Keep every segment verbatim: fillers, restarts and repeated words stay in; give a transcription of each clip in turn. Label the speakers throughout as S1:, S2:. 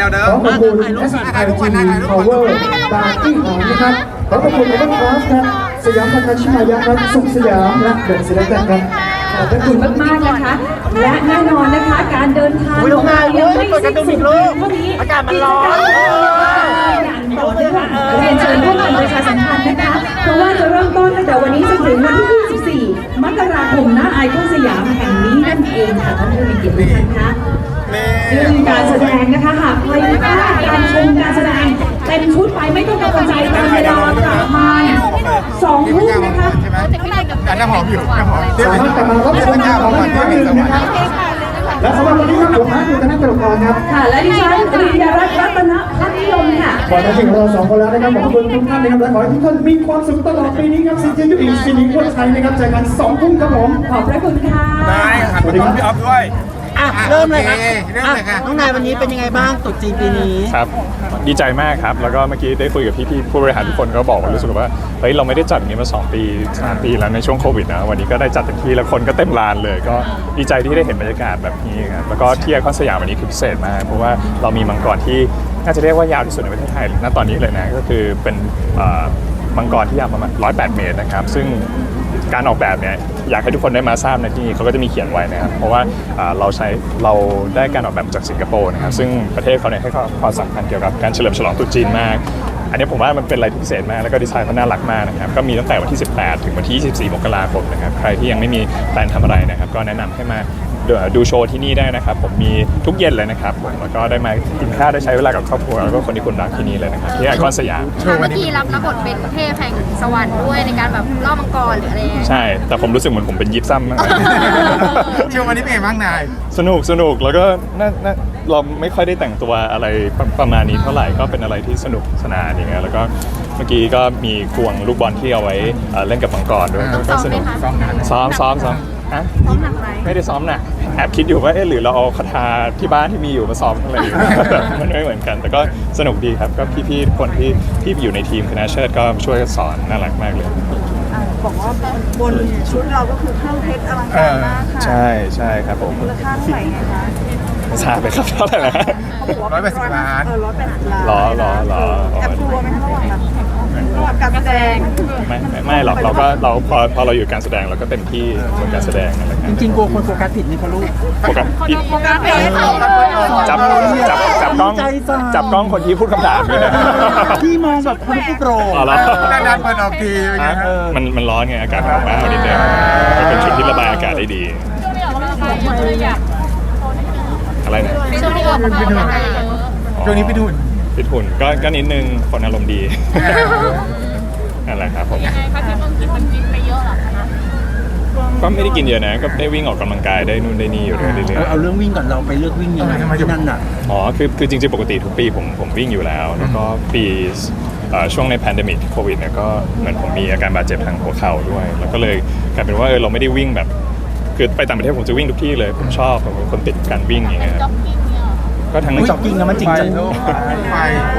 S1: วเดิม
S2: ขอขอบคุณ เอส ไอ ที Power บาร์ตี้หอมนะครับขอขอบคุณเอเวอร์คราฟครับสยามพัฒนาชิมายะครับสุขสยามและเดอะศิลป์ครับ
S3: ขอบคุณมากๆนะคะ และแน่นอนนะคะการเดินทางของเรายังไม่สิ้นสุดเพียงเท่านี้อากาศมันร้อนอย่างต่อเนื่องเรียนเชิญร่วมกันประชาสัมพันธ์นะคะเพราะว่าจะเริ่มต้นตั้งแต่วันนี้จนถึงวันที่ยี่สิบสี่มกราคมณไอคอนสยามแห่งนี้นั่นเองค่ะท่านผู้มีเกียรติทุกท่านคะซึ่งการแสดงนะคะหากใครไม่พลาดการชมการแสดงเต็มชุดไปไม่ต้องกังวลใจตามเวลากลับมาเนี่ยสองทุ่มนะคะ
S1: แต่น้ำหอมอยู่น้ำหอม
S2: สามารถกลับมารับชมของอีกครั้งหนึ่งนะครับและสำหรับวันนี้ครับผมฮัทอยู่คณะกรรมการครับ
S3: ค่ะและดิฉันปริยรัตน์รัตนพัฒนิยมค่ะ
S2: ก่อนจะถึงเราสองคนแล้วนะครับขอบคุณทุกท่านนะครับและขอให้ทุกท่านมีความสุขตลอดปีนี้ครับซีเจยูอีซีนิงคนไทยนะครับเจอกันสองทุ่มครับผม
S3: ขอบพระคุณค่ะ
S1: ได้ครับสวัสดีครับพี่อ๊อฟด้วย
S4: อ่ะเริ่มเลยครับน้องนายวันนี้เป็นยังไงบ้างตรุษจีนปีนี้
S5: ครับดีใจมากครับแล้วก็เมื่อกี้ได้คุยกับพี่ๆผู้บริหารทุกคนก็บอกว่ารู้สึกว่าเฮ้ยเราไม่ได้จัดอย่างนี้มาสองปีสามปีแล้วในช่วงโควิดนะวันนี้ก็ได้จัดเต็มที่แล้วคนก็เต็มลานเลยก็ดีใจที่ได้เห็นบรรยากาศแบบนี้ครับแล้วก็ที่ไอคอนสยามวันนี้คือพิเศษมากเพราะว่าเรามีมังกรที่น่าจะเรียกว่ายาวที่สุดในประเทศไทยณตอนนี้เลยนะก็คือเป็นมังกรที่ยาวประมาณหนึ่งร้อยแปดเมตรนะครับซึ่งการออกแบบเนี่ยอยากให้ทุกคนได้มาทราบในที่นี้เขาก็จะมีเขียนไว้นะครับเพราะว่าเราใช้เราได้การออกแบบมาจากสิงคโปร์นะครับซึ่งประเทศเขาเนี่ยให้ความสำคัญเกี่ยวกับการเฉลิมฉลองตรุษจีนมากอันนี้ผมว่ามันเป็นอะไรที่พิเศษมากแล้วก็ดีไซน์เขาน่ารักมากนะครับก็มีตั้งแต่วันที่สิบแปดถึงวันที่ยี่สิบสี่มกราคมนะครับใครที่ยังไม่มีแพลนทำอะไรนะครับก็แนะนำให้มาดูโชว์ที่นี่ได้นะครับผมมีทุกเย็นเลยนะครับผมแล้วก็ได้มากินข้าวได้ใช้เวลากับครอบครัวแล้วก็คนที่คุณรักที่นี่เลยนะครับที่ไอคอนสยาม
S6: เมื่อกี้รับรับบทเป็นเทพแห่งสวรรค์ด้วยในการแบบล่อมังกรหรืออะไร
S5: ใช่แต่ผมรู้สึกเหมือนผมเป็นยิปซัมมาก
S1: เชื่อวันนี้เป็นไงบ้างนาย
S5: สนุกสนุกแล้วก็น่าเราไม่ค่อยได้แต่งตัวอะไรประมาณนี้เท่าไหร่ก็เป็นอะไรที่สนุกสนานอย่างเงี้ยแล้วก็เมื่อกี้ก็มีควงลูกบอลที่เอาไว้เล่นกับมังกรด้วยก็สนุกซ้อมซ้อมซ้อม
S6: ซ้อมหนักไหม
S5: ไม่ได้ซ้อมหนักแอบคิดอยู่ว่าเอ๊ะหรือเราเอาคาถาที่บ้านที่มีอยู่มาซ้อมอะไรอยู่มันไม่เหมือนกันแต่ก็สนุกดีครับก็พี่ๆคนที่ที่อยู่ในทีมคณะเชิดก็ช่วยสอนน่ารักมากเลย
S7: บอกว่าบนชุดเราก็คือเครื่องเพชรอลังการมากค่ะ
S5: ใช่ใช่ครับผม
S7: มูลค่าเท่าไหร่คะ
S5: ไม่ทราบไปครับเท่าไหร่นะ
S1: ร้อยแปดสิบล้าน
S7: เออร้อยแปดสิบล้าน
S5: ล้อล้อล้อ
S7: แอบกลัวไหมคะระหว่างแบบระหว่างการแสดง
S5: ไม่ไม่ไม่หรอกเราก็เราพอพอเราอยู่การแสดงเราก็เต็มที่บนการแสดงอะไร
S4: จริงๆกลัวคนโฟกัสผิดนี่เขาลูก
S5: โฟกัสผิด
S6: โฟกัสผิด
S5: จับจับจับกล้องจับกล้องคนที่พูดคำถามด้วยนะ
S4: ที่มองแบบคนผู้โปร
S5: อ๋อเหรอ
S1: ด้านเปิดออกที
S5: มันมันร้อนไงอากาศร้อนมากนิดเดียวเป็นชุดที่ระบายอากาศได้ดีอะไรนะ
S6: ช่วงนี้ออกกำลังกาย
S1: ช่วงนี้พี่ดุน
S5: พิทุนก็ก็นิดนึงคนอารมณ์ดีนั่นแหละครับผม
S6: ยังไงคะพี่ต้องกินมันกินไปเยอะหรอคะ
S5: ก็ไม่ได้กินเยอะนะก็ได้วิ่งออกกำลังกายได้นู่นได้นี่อยู่เรื่อย
S4: ๆเอาเรื่องวิ่งก่อนเราไปเลือกวิ่งยังไงที่นั่นน่ะ
S5: อ๋อคือคือจริงๆปกติทุกปีผมผมวิ่งอยู่แล้วแล้วก็ปีช่วงในแพนเดมิกโควิดเนี่ยก็เหมือนผมมีอาการบาดเจ็บทางหัวเข่าด้วยแล้วก็เลยกลายเป็นว่าเออเราไม่ได้วิ่งแบบคือไปต่างประเทศผมจะวิ่งทุกที่เลยผมชอบผมเป็นคนติดการวิ่งอย่างเงี้ยก็ทั้ง
S4: จ็อกกิ้งแล้วมันจริงจัง
S1: ไฟ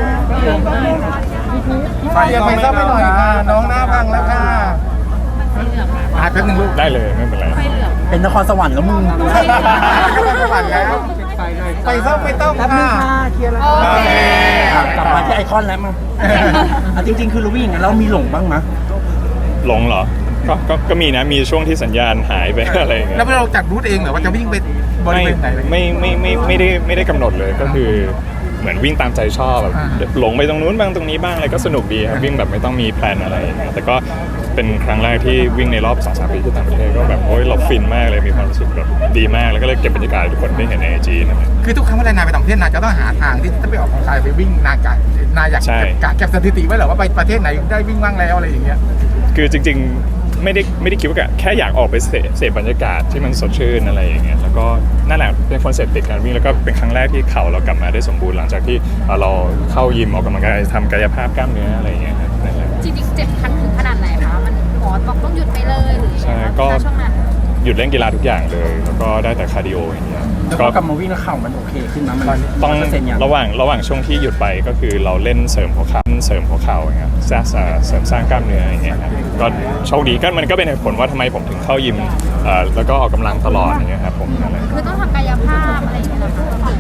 S1: ไฟยังไม่ทราบไม่หน่อยค่ะน้องหน้าพังแล้วค่ะอาแป๊บนึงลูก
S5: ได้เลยไม่เป็นไร
S4: เป็นนครสวรรค์แล้วมึง
S1: นครสวรรค์แล้วไฟซ่อมไม่ต้องค่ะ
S4: เคลียร์แล้วกลับมาที่ไอคอนแล้วมาจริงๆคือเราวิ่งอย่างนั้นเรามีหลงบ้างไหม
S5: หลงเหรอก็ก็ก็มีนะมีช่วงที่สัญญาณหายไปอะไรอย่างเงี้ย
S1: แล้วเราจัดรูทเองเหรอว่าจะวิ่งไปบริเวณไหน
S5: ไม่ไม่ไม่ไม่ได้ไม่ได้กำหนดเลยก็คือเหมือนวิ่งตามใจชอบแบบหลงไปตรงนู้นบ้างตรงนี้บ้างอะไรก็สนุกดีครับวิ่งแบบไม่ต้องมีแพลนอะไรแต่ก็เป็นครั้งแรกที่วิ่งในรอบ สองถึงสาม ปีที่ต่างประเทศก็แบบโอ้ยเราฟินมากเลยมีความรู้สึกแบบดีมากแล้วก็เลยเก็บบรรยากาศทุกคนได้เห็นในไอจีนะ
S1: คือทุกครั้งเวลานายไปต่างประเทศนายจะต้องหาทางที่จะไปออกกำลังกายไปวิ่งนายกะนายอยากเก็บสถิติไว้เหรอว่าไปประเทศไหนได้วิ่งบ้างแล้วอะไรอย่างเงี้ย
S5: คือจริงๆไม่ได้ไม่ได้คิดว่าแค่อยากออกไปเสพบรรยากาศที่มันสดชื่นอะไรอย่างเงี้ยแล้วก็นั่นแหละเป็นคอนเซ็ปต์ติดการวิ่งแล้วก็เป็นครั้งแรกที่เข่าเรากลับมาได้สมบูรณ์หลังจากที่เราเข้ายิมออกกำลังกายทำกายภาพกล้ามเนื้ออะไรอย่างเงี้ยนั่นแหละ
S6: จริงๆเจ็บคันถึงขนาดไหนคะมันหมอบอกต้องหยุดไปเลยหรือ
S5: ใช่ก็หยุดเล่นกีฬาทุกอย่างเลยแล้วก็ได้แต่คาร์ดิโออย่างเงี้ย
S4: ก็กลับมาวิ่งแล้วเข่ามันโอเคขึ้นนะมัน
S5: ต้องระหว่างระหว่างช่วงที่หยุดไปก็คือเราเล่นเสริมหัวเข่าเสริมหัวเข่าอย่างเงี้ยสร้างเสริมสร้างกล้ามเนื้ออย่างเงี้ยครับก็โชคดีก็มันก็เป็นเหตุผลว่าทำไมผมถึงเข้ายิมแล้วก็ออกกำลังตลอดอย่างเงี้ยครับผมนั่นแหละ
S6: คือต้องทำกายภาพอะไรอย่างเงี้ย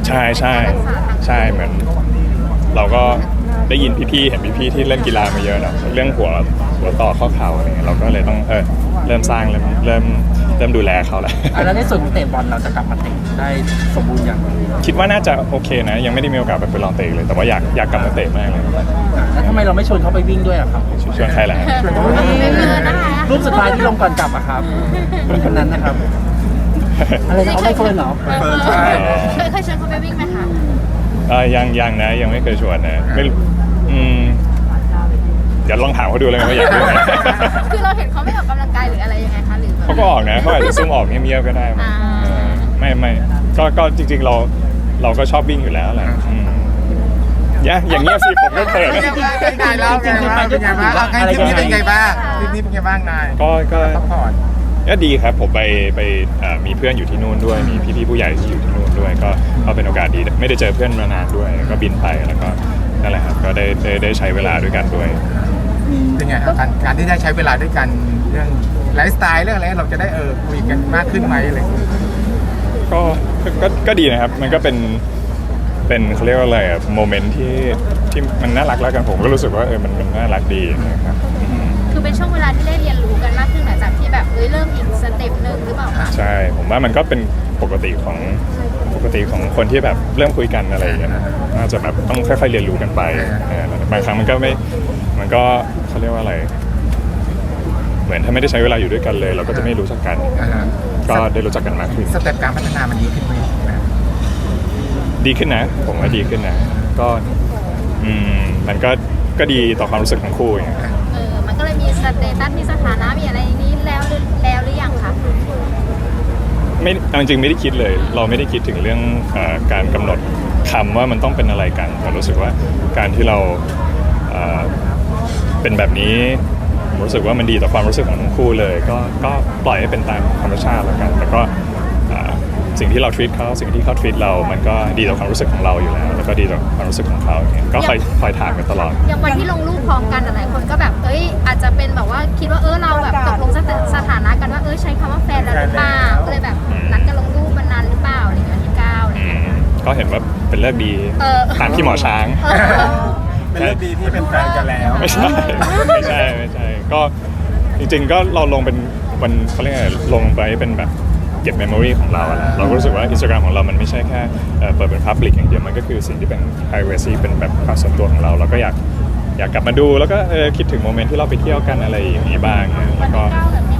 S5: ใช่ใช่ใช่เหมือนเราก็ได้ยินพี่ๆเห็นพี่ๆที่เล่นกีฬามาเยอะเนาะเรื่องหัวหัวต่อข้อเข่าอะไรเงี้ยเราก็เลยต้องเออเริ่มสร้างเริ่มเริ่มเริ่มดูแลเขาแหละ
S4: อ่ะแล้วในส่วนของเตะบอลเราจะกลับมาเตะได้สมบูรณ์อย่าง
S5: คิดว่าน่าจะโอเคนะยังไม่ได้มีโอกาสแบบไปลองเตะเลยแต่ว่าอยากอยากกลับมาเตะมากเลย
S4: แล้วทำไมเราไม่ชวนเขาไปวิ่งด้วยอะครับ
S5: ชวนใครล่ะ
S4: รูปสุดท้ายที่ลงก่อนกลับอะครับคนนั้นนะครับอะไรนะเขาไม่เฟิร์นเหรอ
S1: เฟิร์นใช่
S6: เคยเคยชวนเขาไปวิ่งไหมคะ
S5: เออยังยังนะยังไม่เคยชวนนะไม่รู้อืมเดี๋ยวลองถามเขาดูเลยว่าอยากดูไหม
S6: คือเราเห็นเขาไม่ออกกำลังกายหรืออะไรยังไงคะหรือแบบ
S5: เขาก็ออกนะเขาอาจจะซุ่มออกเงียบๆก็ได้มั้ง
S6: อ่า
S5: เออไม่ไม่ก็ก็จริงๆเราเราก็ชอบวิ่งอยู่แล้วแหละอืมอย่าอย่างเงี้ยสิผมก็เปิด
S1: เป็นไงแล้วเป็นไงบ้างเป็นไงบ้างทริปนี้เป็นไงบ้างทริปนี้เป็นไงบ้างนาย
S5: ก็ก็
S1: พักผ่อน
S5: ก็ดีครับผมไปไปเอ่อมีเพื่อนอยู่ที่นู่นด้วยมีพี่ๆผู้ใหญ่ที่อยู่ที่นู่นด้วยก็ก็เป็นโอกาสดีไม่ได้เจอเพื่อนมานานด้วยก็บินไปแล้วก็นั่นแหละครับก็ได้ได้ได้ใช้เวลาด้วยกันด้วย
S1: เป็นไงครับการการที่ได้ใช้เวลาด้วยกันเรื่องไลฟ์สไตล์เรื่องอะไรเราจะได้เออคุยกันมากขึ้นไหมอะไรอย่างเงี้ย
S5: ก็ก็ก็ดีนะครับมันก็เป็นเป็นเขาเรียกว่าอะไรอะโมเมนต์ที่ที่มันน่ารักแล้วกันผมก็รู้สึกว่าเออมันมันน่ารักดีนะครับอืม
S6: คือเป็นช่วงเวลาที่ได้เรียนรู้กันมากขึ้นหลังจากที่แบบเอ้ยเริ่มอีกสเต็ปหนึ่งหรือเปล่าคะ
S5: ใช่ผมว่ามันก็เป็นปกติของปกติของคนที่แบบเริ่มคุยกันอะไรอย่างเงี้ยนะน่าจะแบบต้องค่อยๆเรียนรู้กันไปเออบางครั้งมันก็ไม่มันก็เขาเรียกว่าอะไร เหมือนถ้าไม่ได้ใช้เวลาอยู่ด้วยกันเลย เราก็จะไม่รู้จักกัน
S1: อ่าฮะ
S5: ก็ได้รู้จักกันมากขึ้น
S1: สเต็ปการพัฒนามันดีขึ้นไหมนะ
S5: ดีขึ้นนะผมว่าดีขึ้นนะก็อืมมันก็ก็ดีต่อความรู้สึกของคู่อย่างเงี้ย
S6: เออมันก็เลยมีสเตตัสมีสถานะมีอะไรอย่างนี้แล้วหรือแล้วหรือยังคะ
S5: ไม่เอาจริงๆไม่ได้คิดเลย เราไม่ได้คิดถึงเรื่องเอ่อการกำหนดคำว่ามันต้องเป็นอะไรกันแต่รู้สึกว่าการที่เราเอ่อเป็นแบบนี้ผมรู้สึกว่ามันดีต่อความรู้สึกของทั้งคู่เลย ก็ก็ปล่อยให้เป็นตามธรรมชาติแล้วกันแล้วก็เอ่อสิ่งที่เรา treat เขาสิ่งที่เขา treat เรามันก็ดีต่อความรู้สึกของเราอยู่แล้ว แล้วก็ดีต่อความรู้สึกของเขาอย่างเงี้ยก็คอยคอยถามกันตลอด
S6: อย่างวันที่ลงรูปพร้อมกันหลายคนก็แบบเอ้ยอาจจะเป็นแบบว่าคิดว่าเออเราแบบตกลงสถสถานะกันว่าเออใช้คำว่าแฟนแล้วหรือเปล่าก็เลยแบบนัดกันลงรูปวันนั้นหรือเปล่าอะไรอย่างเงี้ยวันที่เก้าอะไร
S5: อื
S6: อย่างเงี้ย
S5: มก็เห็นว่าเป็นเลิกดี
S6: เออ
S5: ตามที่หมอช้าง
S6: เออ
S1: เป็นเรื่องดีที่เป็นแฟนกันแล้ว
S5: ไม่ใช่ไม่ใช่ไม่ใช่ก็จริงๆก็เราลงเป็นวันเขาเรียกอะไรลงไปเป็นแบบเก็บเมมโมรีของเราอะนะเราก็รู้สึกว่า Instagram ของเรามันไม่ใช่แค่เอ่อเปิดเป็น Public อย่างเดียวมันก็คือสิ่งที่เป็น privacy เป็นแบบความส่วนตัวของเราเราก็อยากอยากกลับมาดูแล้วก็เออคิดถึงโมเมนต์ที่เราไปเที่ยวกันอะไรอย่างนี้บ้างนะแล้วก็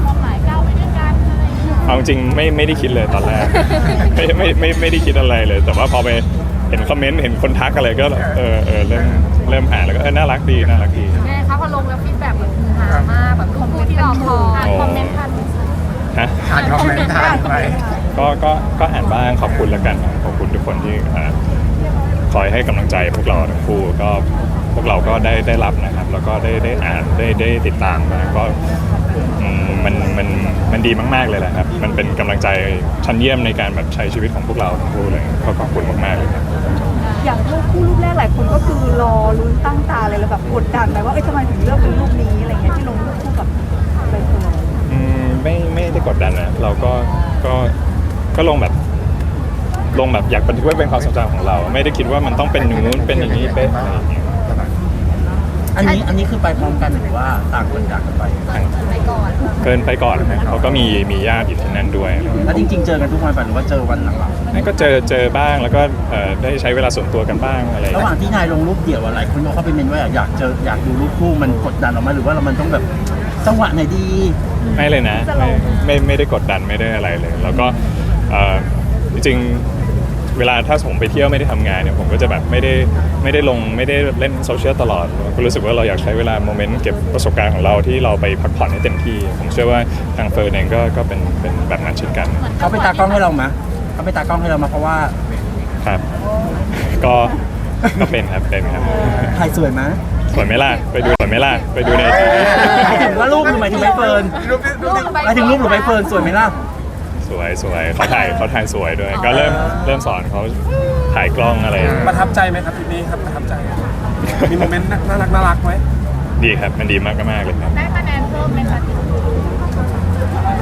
S5: เอาจริงๆไม่ไม่ได้คิดเลยตอนแรก ไม่ไม่ไม่ไม่ได้คิดอะไรเลย แต่ว่าพอไปเห็นคอมเมนต์เห็นคนทักอะไรก็เออเออเริ่มเริ่มอ่านแล้วก็เออน่ารักดีน่ารักดี
S6: แม่คะพอลงแล้วฟีดแบ็กแบบฮือฮามากแบบทุกคู่ที่รอคอยคอมเมนต์ทัน
S5: ฮะ
S1: อ่านคอมเมนต์ทานไป
S5: ก็ก็ก็อ่านบ้างขอบคุณแล้วกันขอบคุณทุกคนที่อ่าคอยให้กำลังใจพวกเราทั้งคู่ก็พวกเราก็ได้ได้รับนะครับ แล้วก็ได้ได้อ่านได้ได้ติดตามนะก็อืมมันมันมันดีมากๆเลยแหละครับ มันเป็นกำลังใจชั้นเยี่ยมในการแบบใช้ชีวิตของพวกเราทั้งคู่เลยก็ขอบคุณมากๆเลยครับ
S7: อย่างรูปคู่รูปแรกหลายคนก็คือรอลุ้นตั้งตาเลยแล้วแบบกดดันไหมว่าเอ้ยทำไมถึงเลือกเป็นรูปนี้อะไรเงี้ยที่ลงรูปคู่กับใบเฟิร์น
S5: อืมไม่ไม่ได้กดดันนะเราก็ก็ก็ลงแบบลงแบบอยากบันทึกไว้เป็นความทรงจำของเรา ไม่ได้คิดว่ามันต้องเป็นอย่างนู้นเป็นอย่างนี้เป็นอะไรอย่างเงี้ย
S4: อันนี้อันนี้คือไปพร้อมกันหรือว่าต่างคนต่างกันไป
S6: ไปก่อน
S5: เกินไปก่อนนะเขาก็มีมีญาติอยู่ที่นั่นด้วย
S4: แล้วจริงๆเจอกันทุกวันป่ะหรือว่าเจอวันหลัง
S5: นั่นก็เจอเจอบ้างแล้วก็เอ่อได้ใช้เวลาส่วนตัวกันบ้างอะไร
S4: ๆระหว่างที่นายลงรูปเดี่ยวอะหลายคนบอกเขาไปเมนว่าอยากเจออยากดูรูปคู่มันกดดันออกมาหรือว่าเรามันต้องแบบจังหวะไหนดี
S5: ไม่เลยนะไม่ไม่ไม่ได้กดดันไม่ได้อะไรเลย แล้วก็เอ่อจริงๆเวลาถ้าผมไปเที่ยวไม่ได้ทำงานเนี่ยผมก็จะแบบไม่ได้ไม่ได้ลงไม่ได้เล่นโซเชียลตลอดก็รู้สึกว่าเราอยากใช้เวลาโมเมนต์เก็บประสบการณ์ของเราที่เราไปพักผ่อนให้เต็มที่ ผมเชื่อว่าทางเฟิร์นเองก็ก็เป็นเป็นแบบนั้นเช่นกัน
S4: เขาไปตากล้องให้เรามะเขาไปตากล้องให้เรามาเพราะว่า
S5: ครับก็ก็เป็นครับเป็นครับ
S4: ถ่ายสวยมะ
S5: สวยไหมล่ะไปดูสวยไหมล่ะไปดูในทีวี
S4: หมายถึงว่ารูปหรือหมายถึงใบเฟิร์น
S1: รูปนี้รูปนี้
S4: หมายถึงรูปหรือใบเฟิร์นสวยไหมล่ะ
S5: สวยสวยเขาถ่ายเขาถ่ายสวยด้วย ก็เริ่มเริ่มสอนเขาถ่ายกล้องอะไร
S8: ประทับใจไหมครับทริปนี้ครับประทับใจ มีโมเมนต์น่ารักน่ารักไหม
S5: ดีครับมันดีมากมากๆเลยครับ
S6: ได้คะแนนเพิ่มไหมคะ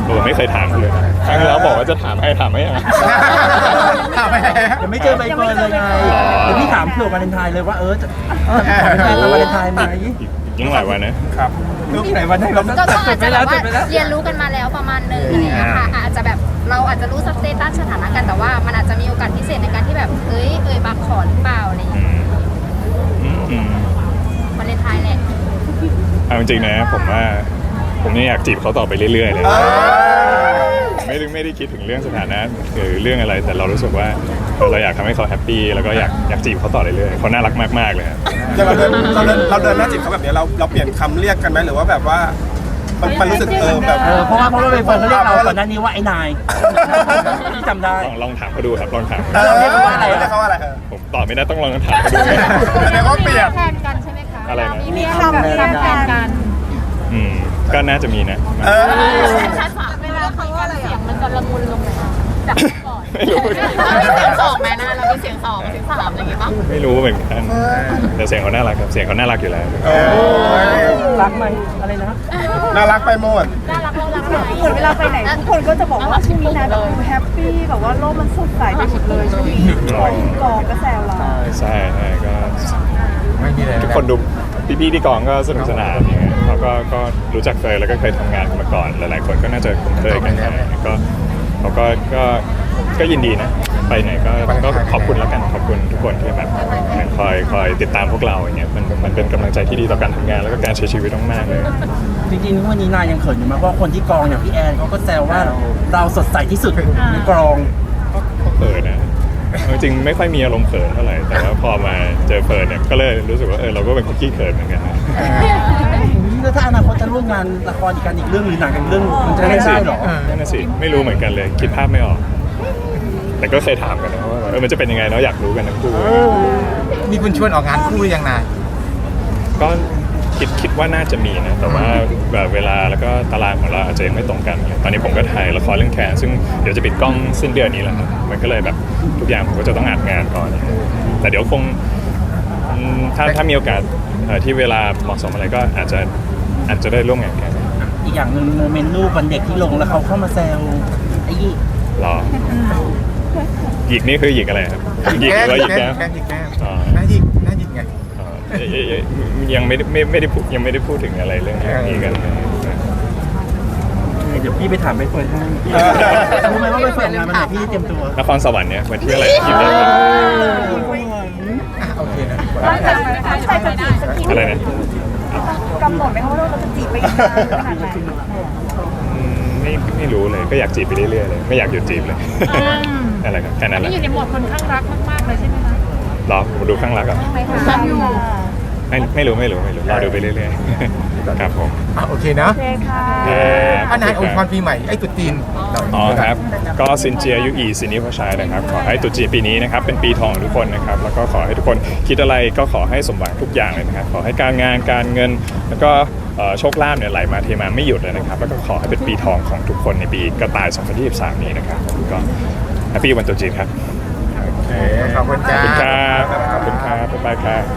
S5: เออไม่เคยถามเลยนะครั้งที่แล้วบอกว่าจะถามให้ถามไม่อ่ะ
S1: ถามไปแล้ว
S4: ยังไม่เจอใบเฟิร์นเลยไง
S5: อ๋อ
S4: เดี๋ยวพี่ถามเผื่อวาเลนไทน์เลยว่าเออจะเออขอเป็นแฟนเราวาเลนไทน์ไหม
S5: อีกยังหลายวันนะ
S8: ครับ
S4: ที่ไหนวันไหนเรา
S6: ก็ก็อาจจะแบบว่าเรียนรู้กันมาแล้วประมาณหนึงอะไรอย่างเงี้ยค่ะอาจจะแบบเราอาจจะรู้สเตตัสสถานะกันแต่ว่ามันอาจจะมีโอกาสพิเศษในการที่แบบเอ้ยเอ่ยปากขอหรือเปล่าอะไรอย่าง
S5: อื
S6: เงี้ย
S5: มอืมอืม
S6: วาเลนไทน์แหละ
S5: เอาจริงๆนะผมว่าผมยังอยากจีบเขาต่อไปเรื่อยๆเลยไม่ได้ไม่ได้คิดถึงเรื่องสถานะหรือเรื่องอะไรแต่เรารู้สึกว่าเออเราอยากทำให้เขาแฮปปี้แล้วก็อยากอยากจีบเขาต่อเรื่อยๆเขาน่ารักมากๆเลยครับ
S8: อย่างเราเดินเราเดินเราเดินหน้าจีบเขาแบบนี้เราเราเปลี่ยนคำเรียกกันไหมหรือว่าแบบว่ามันมันรู้สึกเออแบบ
S4: เออเพราะว่าเพราะว่าใบเฟิร์นเขาเรียกเราก่อนหน้านี้ว่าไอ้นายที่จำได้
S5: ลองลองถามเขาดูครับลองถาม
S8: เออเรียกเขาว่าอะไรเรียกเขาว่าอะไรเออ
S5: ผมตอบไม่ได้ต้องลองถามเขาดู
S8: แสดงว่าเปลี่ยน
S6: แทนกันใช่ไหมคะ
S5: อะไรนะ
S6: มีคำแทนกัน
S5: อืมก็น่าจะมีนะ
S8: เออ
S6: ชัดฝาเวลาเขาว่าอะไรเสียงมันจะละมุนลงไหมคะจากก่อน
S5: ไม่รู้
S6: มีเสียงสองไหมนะเรามีเสียงสองเสียงสามอะไรอย่างเงี้ยป่ะ
S5: ไม่รู้เหมือนกันแต่เสียงเขาน่ารักครับเสียงเขาน่ารักอยู่แล้ว
S8: โอ้ย
S4: รักไหมอะไรนะ
S8: น่ารักไปหมด
S6: น่ารักเรารักไหม
S7: เหมือนเวลาไปไหนทุกคนก็จะบอกว่าช่วงนี้นะแบบดูแฮปปี้แบบว่าโลกมันสดใสไปหมดเลยช่วงนี้กองก็แซวเรา
S5: ใช่ใช่ก็
S1: ไม่มีเลย
S5: ทุกคนดูพี่ๆที่กองก็สนุกสนานอย่างเงี้ยเขาก็ก็รู้จักเคยแล้วก็เคยทำงานกันมาก่อนหลายๆคนก็น่าจะคุ้นเคยกันก็เขาก็ก็ก็ยินดีนะไปไหนก็ก็ขอบคุณแล้วกันขอบคุณทุกคนที่แบบยังคอยคอยติดตามพวกเราอย่างเงี้ยมันมันเป็นกำลังใจที่ดีต่อการทำงานแล้วก็การใช้ชีวิตมากๆเลย
S4: จริงๆวันนี้นายยังเขินอยู่มากเพราะคนที่กองอย่างพี่แอนเขาก็แซวว่าเราสดใสที่สุดในกอง
S5: ก็เขินนะจริงๆไม่ค่อยมีอารมณ์เขินเท่าไหร่แต่ว่าพอมาเจอเฟิร์นเนี่ยก็เลยรู้สึกว่าเออเราก็เป็นคนขี้เขินเหมือนกันนะ
S4: แล้วถ้าอนาคตจะร่วมงานละครอีกกันอีกเรื่องหรือหนังอีกเรื่องมันจะ
S5: นั่น
S4: ได้
S5: น่ะสิ
S4: ได้เหรอ
S5: นั่นน่ะสิไม่รู้เหมือนกันเลยคิดภาพไม่ออก แต่ก็เคยถามกันนะว่าเออมันจะเป็นยังไงเนาะอยากรู้กันทั้งคู่
S1: มีคุณชวนออกงานคู่หรือยังนาย
S5: ก็คิดคิดว่าน่าจะมีนะแต่ว่าแบบเวลาแล้วก็ตารางของเราอาจจะยังไม่ตรงกันตอนนี้ผมก็ถ่ายละครเรื่องแคนซึ่งเดี๋ยวจะปิดกล้องสิ้นเดือนนี้แหละครับมันก็เลยแบบทุกอย่างผมก็จะต้องอัดงานก่อน แต่เดี๋ยวคงอืมถ้าถ้ามีโอกาสเอ่อที่เวลาเหมาะสมอะไรก็อาจจะอาจจะได้ร่วมงานกัน
S4: อีกอย่างหนึ่งโมเมนต์รูปวันเด็กที่ลงแล้วเขาเข้ามาแซวไอ้ยี่
S5: รอหยิกนี่คือหยิกอะไรครับหยิกหรือว่าหยิก
S1: แก้
S5: แก้
S1: ม
S5: ม
S1: แก้มหยิกแก้ม
S5: อ๋อ
S1: น่าหยิกน่าหยิกไง
S5: อ๋อเอ่ยเอ่ยเอ่ยยังไม่ได้ไม่ไม่ได้พูดยังไม่ได้พูดถึงอะไรเรื่องนี้กันเลย
S4: เดี๋ยวพี่ไปถามใบเฟิร์นให้รู้ไหมว่าใบเฟิร์นงานมันไหนพี่เตรียมตัวน
S5: ครสวรรค์เนี่ยวันที่อะไรที่ไหนครับ
S1: โอเคนะ
S7: ตั้งใจตั้งใจจะจีบสักที
S5: อะไรนะ
S7: กำหนดไหมคะว่าเราจะจีบไปอีกนานขนาดไหน
S5: อืมไม่ไม่รู้เลยก็อยากจีบไปเรื่อยๆเลยไม่อยากหยุดจีบเลยอะไรครับแค่นั้นแหละ
S6: อยู่ในโหมดคนข้างรักมากๆเลยใช่ไหมคะ
S5: รอผมดูข้างรักอ่ะ
S6: รักอยู่
S5: ไม่ไม่รู้ไม่รู้ไม่รู้รอดูไปเรื่อยๆครับผม
S1: อ่ะโอเคนะ
S7: โอเคค่ะ
S1: อ่ะนายอวยพรปีใหม่ไอ้ตุ๊จีนหน่ย
S5: อ๋อครับ ก็ซินเจียยุอีซินิพชัยนะครับ ขอให้ตรุษจีนปีนี้นะครับเป็นปีทองของทุกคนนะครับ แล้วก็ขอให้ทุกคนคิดอะไรก็ขอให้สมหวังทุกอย่างเลยนะครับ ขอให้การงานการเงิน แล้วก็เอ่อโชคลาภเนี่ยไหลมาเทมาไม่หยุดเลยนะครับ แล้วก็ขอให้เป็นปีทองของทุกคนในปีกระต่ายสองพันยี่สิบสามนี้นะครับผมก็แฮปปี้วันตรุษจีนครับ
S1: โอเคขอบคุณ
S5: ข
S1: จ้า
S5: อบคุณครับขอบคุณครับบ๊ายบายครับ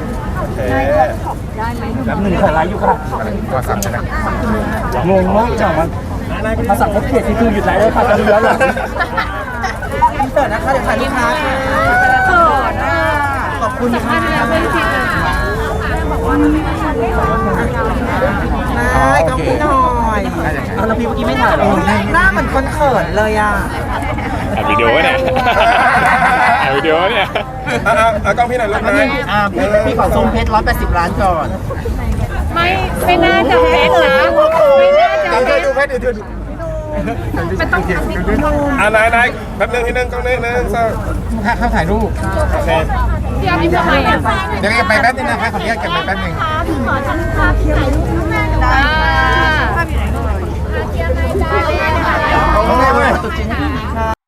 S4: แบบหนึ่งขอไลฟ์อยู่ค่ะ
S1: ก็สั่งนะ
S4: งงมากจังมันภาษาเขาเขียนที่คือหยุดไลฟ์แล้วค่ะตอนนี้แล้วหรออินเสิร์ตนะคะเดี๋ยวถ่ายลูกค้าค่ะขอบคุณค่ะ
S1: โอเคหน่อย
S4: เอาแล้วพี่เมื่อกี้ไม่ถ่ายหรอ
S9: หน้าเหมือนคนเขินเลยอ่ะ
S5: อัดวิดีโอเนี่ยอัดวิดีโอเนี่ย
S8: อ่ะอ่ะอ่ะกล้องพี่หน่อยลูกนะ
S4: อ่าพี่พี่ขอซูมเพชรร้อยแปดสิบล้านก่อน
S6: ไม่ไม่น่าจะเพชรนะไม่น่าจะ
S1: เดี๋ยว
S6: เพ
S1: ดู
S6: ชร
S1: เพชรเดี๋ยวดู
S6: มันต้องทำให้ดู
S8: อ่ะนายนายแป๊บนึงที่นึงกล้องนี้นึงสอง
S1: ถ้าเขาถ่ายรูป
S8: โอเค
S6: เดี๋ยวพี่ทำไมอ่ะ
S1: เดี๋ยวเก็บไปแป๊บนึงนะคะขออนุญาตเก็บไปแป๊บนึง
S6: ขอฉันภาพที่ถ่ายรูปข้างหน้าได้ภาพอยู่ไหนเลยเกียร์ไหนจ้า
S1: โอเคเว้ย
S4: ตุ๊จีนให้พี่ค่ะ